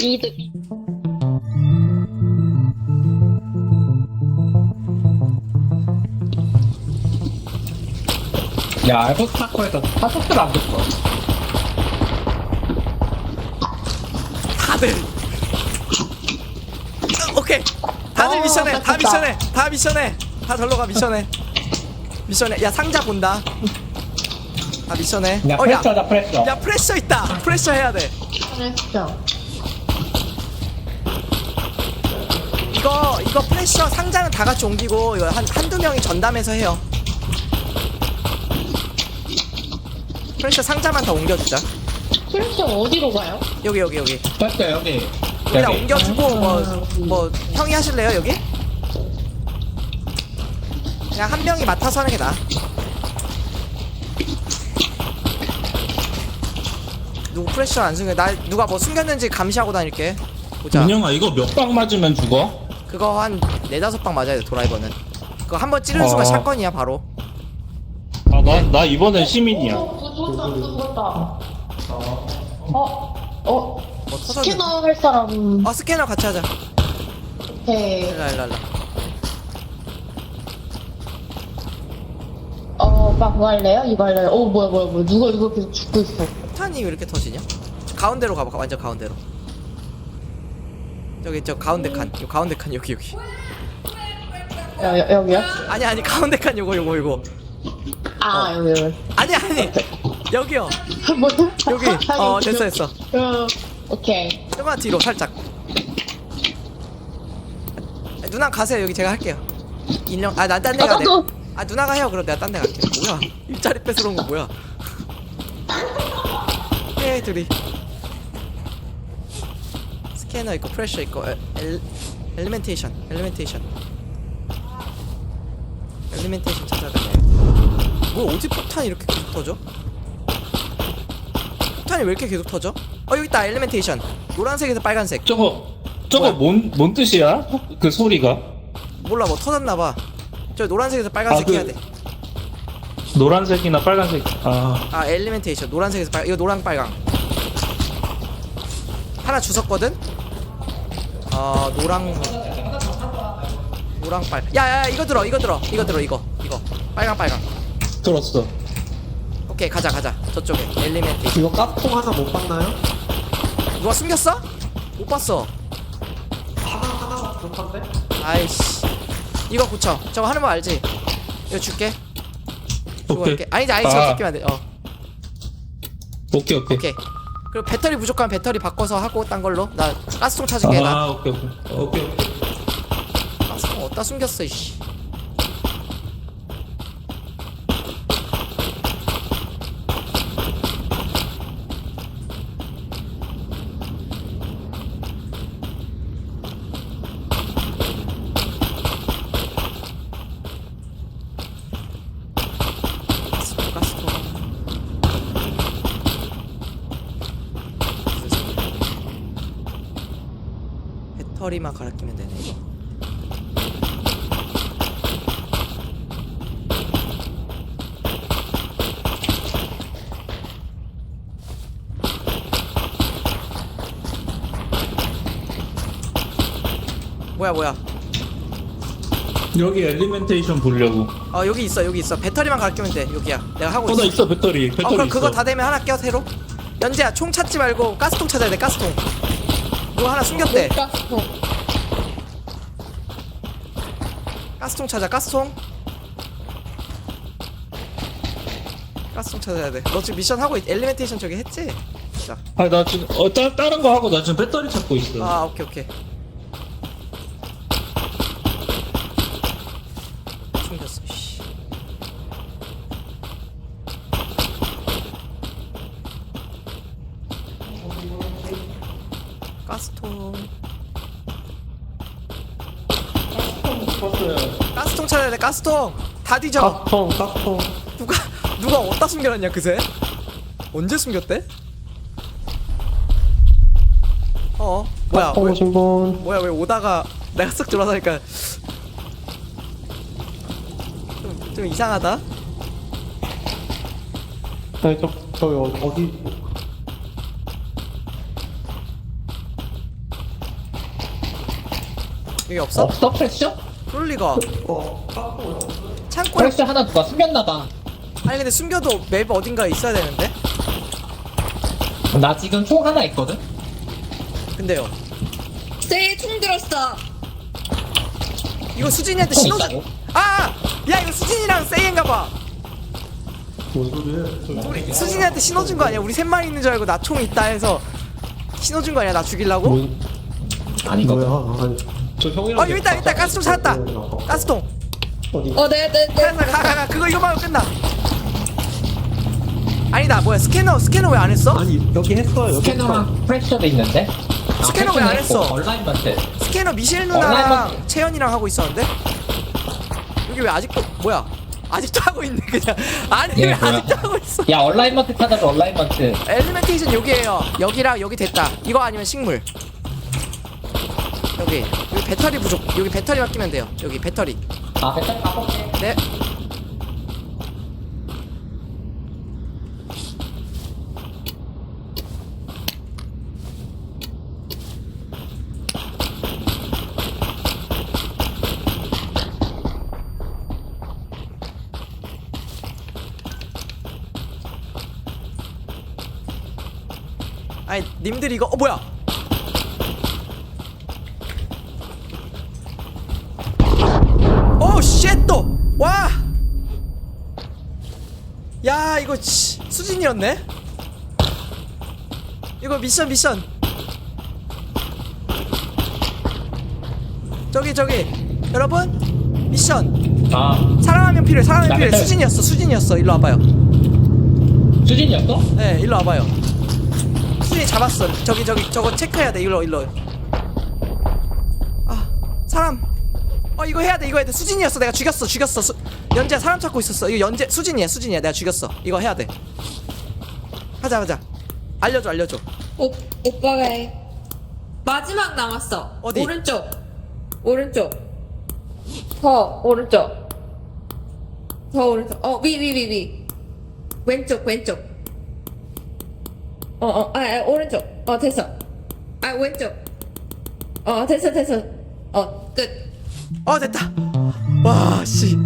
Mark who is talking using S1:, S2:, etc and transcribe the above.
S1: 이득.
S2: 야, 에버스타코에서 타석들 안 붙어.
S3: 다들 오케이 다들 미션해 다
S1: 됐다.
S3: 미션해 다 미션해 다 절로 가 미션해 미션해 야 상자 본다 다 미션해
S2: 야, 프레셔다, 프레셔.
S3: 야 프레셔 있다 프레셔 해야 돼
S1: 잘했어.
S3: 이거 프레셔 상자는 다 같이 옮기고 이거 한두 명이 전담해서 해요 프레셔 상자만 다 옮겨주자
S1: 프레셔 어디로 가요?
S3: 여기
S2: 프레셔, 여기.
S3: 여기다
S2: 여기.
S3: 옮겨주고 뭐 형이 하실래요 여기? 그냥 한 명이 맡아서 하는 게 나아 누구 프레셔 안 숨겨 나 누가 뭐 숨겼는지 감시하고 다닐게 보자
S4: 민영아 이거 몇 방 맞으면 죽어?
S3: 그거 한 4-5방 맞아야 돼 드라이버는 그거 한 번 찌르는 순간 샷건이야 바로
S4: 아 나 이번엔 시민이야.
S1: 죽었다.
S3: 뭐 터졌네
S1: 스캐너 할 사람.
S3: 스캐너 같이 하자
S1: 네.
S3: 일라
S1: 막 뭐 할래요? 이거 할래요? 뭐야. 누가 이거 계속 죽고 있어.
S3: 폭탄이 왜 이렇게 터지냐? 가운데로 가봐 완전 가운데로 저기 저 가운데 칸 요 가운데 칸 여기
S1: 여기요?
S3: 아니 가운데 칸 요거
S1: 여기.
S3: 아니 여기요
S1: 뭐야?
S3: 여기 됐어
S1: 오케이.
S3: 조금만 뒤로 살짝 누나 가세요 여기 제가 할게요 인형 난 딴 데 가
S1: 나도.
S3: 누나가 해요 그럼 내가 딴 데 갈게 뭐야 일자리 뺏으러 온 거 뭐야 예 둘이 스캐너 있고 프레셔 있고 엘리멘테이션 찾아가네 뭐 어디 폭탄이 이렇게 계속 터져? 폭탄이 왜 이렇게 계속 터져? 여기 있다 엘리멘테이션 노란색에서 빨간색
S4: 저거
S3: 뭐야?
S4: 뭔 뜻이야? 그 소리가?
S3: 몰라 뭐 터졌나봐 저 노란색에서 빨간색 해야 돼
S4: 노란색이나 빨간색.
S3: 엘리멘테이션 노란색에서 빨 이거 노랑 빨강 하나 주웠거든? 노랑 빨 야야 이거 들어 이거 빨강
S4: 들었어.
S3: 오케이 가자 저쪽에 엘리멘테이션
S5: 이거 깍통 하나 못 봤나요?
S3: 누가 숨겼어? 못 봤어
S5: 하나 부족한데?
S3: 아이씨 이거 고쳐 저거 하는 거 알지? 이거 줄게 이거
S4: 오케이.
S3: 이렇게 아니지 저거 줄게 안돼
S4: 오케이.
S3: 오케이 그리고 배터리 부족하면 배터리 바꿔서 하고 딴 걸로 나 가스통 찾을게 나
S4: 오케이.
S3: 가스통 어디다 숨겼어 이씨 가스통 배터리만 갈아 끼면 되네 이거 뭐야
S4: 여기 엘리멘테이션 보려고.
S3: 여기 있어 배터리만 갈아 끼면 돼 여기야 내가 하고
S4: 나
S3: 있어
S4: 있어 배터리.
S3: 그럼 그거
S4: 있어.
S3: 다 되면 하나 껴 새로 연재야 총 찾지 말고 가스통 찾아야 돼 가스통 이거 하나 숨겼대 가스통 찾아 가스통 찾아야 돼너 지금 미션 하고 엘리멘테이션 저기 했지? 자.
S4: 나 지금 다른 거 하고 나 지금 배터리 찾고 있어.
S3: 오케이 숨겼어 씨. 가스통 가스통 찾아야 돼 가스통 다 뒤져
S5: 깍통.
S3: 누가 어디다 숨겨놨냐 그새 언제 숨겼대? 뭐야
S5: 깍통 오신 분.
S3: 뭐야 왜 오다가 내가 쓱 들어가니까 좀 이상하다.
S5: 네, 저 어디
S3: 여기 없어?
S2: 없어 프레셔?
S3: 그럴 리가. 창고에.
S2: 프레셔 하나 누가 숨겼나봐.
S3: 아니 근데 숨겨도 맵 어딘가에 있어야 되는데.
S2: 나 지금 총 하나 있거든?
S3: 근데요.
S6: 쟤총 들었어.
S3: 이거 수진이한테
S2: 총
S3: 신호준.
S2: 있다고?
S3: 아! 야 이거 수진이랑 세이인가봐.
S5: 뭔 소리야?
S3: 우리 수진이한테 신호준 거 아니야? 우리 셋만 있는 줄 알고 나 총 있다 해서 신호준 거 아니야? 나 죽이려고?
S2: 아니거든.
S5: 뭐야? 아니,
S4: 저 형이랑.
S3: 여기 있다 가스통 찾았다. 가스통.
S5: 어디?
S6: 네네네.
S3: 가 그거 이거만 하면 끝나. 아니다 뭐야 스캐너 왜 안 했어?
S5: 아니 여기 했어요. 여기 했어.
S2: 스캐너랑 프레셔도 있는데?
S3: 스캐너 왜안 했어?
S2: 온라인마트.
S3: 스캐너 미셸
S2: 온라인
S3: 누나랑
S2: 마트.
S3: 채연이랑 하고 있었는데? 여기 왜 아직도 뭐야? 아직도 하고 있네 그냥. 아니
S2: 얘
S3: 왜
S2: 뭐야?
S3: 아직도 하고 있어?
S2: 야 온라인마트 찾아줘 온라인마트.
S3: 엘리멘테이션 여기에요. 여기랑 여기 됐다. 이거 아니면 식물. 여기 배터리 부족. 여기 배터리만 끼면 돼요. 여기 배터리.
S2: 아 배터리 바꿔볼게.
S3: 네. 아니 님들 이거 뭐야? 오 쉣 또! 와! 야 이거 수진이었네? 이거 미션 저기 여러분 미션
S2: 아
S3: 사람 한 명 필요해
S2: 나 배터리.
S3: 수진이었어 일로 와봐요.
S2: 수진이었어?
S3: 네 일로 와봐요. 수진이 잡았어. 저거 체크해야 돼. 일로 아 사람 이거 해야 돼. 수진이었어. 내가 죽였어. 연재야 사람 찾고 있었어. 이거 수진이야. 내가 죽였어. 이거 해야 돼. 하자. 알려줘.
S6: 오빠가 해. 마지막 남았어.
S3: 어디?
S6: 오른쪽. 더 오른쪽. 위. 왼쪽. 오른쪽. 됐어. 왼쪽. 됐어. 끝.
S3: 됐다. 와 씨.